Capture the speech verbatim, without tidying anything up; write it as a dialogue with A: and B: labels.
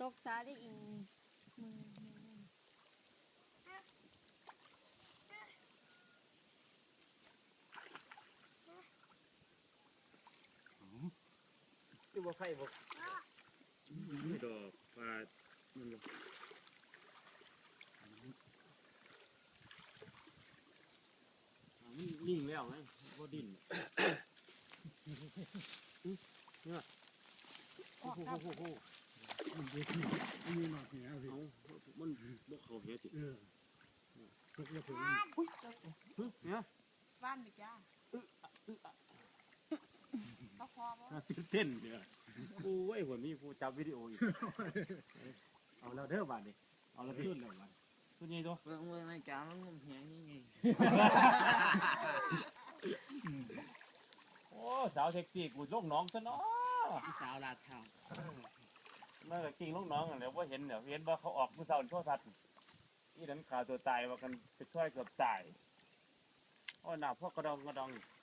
A: กซาได้อิงมือ
B: คือว่าไฟบอกไม่ดอกปลามันบอกนิ่งแล้วไงก็ดิ้นเนี่ยโอ้โหโอ้โห
C: มันเด็กนี่มีหนอดเหนียวสิ
B: เอามันบกเขาเหี้ยจิ
C: เออตกแล้วผม
B: เนี่ย
D: บ้านดิจ้าเขาพอบ่
B: ตื่นเต้นเนี่ยโอ้ยหัวมีผู้จับวิดีโออีกเอาแล้วเด้อบาดดิเอาแล้วขึ้นเลยบาดขึ้นยังตัว
E: เรื่องเรื่องในกามันงมเหียงนี่ไง
B: โอ้สาวเซ็กซี่กูลงน้องซะเนาะ
E: พี่สาวลาดข้าว
B: เมื่อกี้ลงน้องกันแล้วว่าเห็นเนี่ยเห็นว่าเขาออกมือเสาร์โทรทัศน์นี่นั้นข่าวตัวตายว่ากันไปช่วยเกือบตายโอ้หนาพวกกระดองกระดอง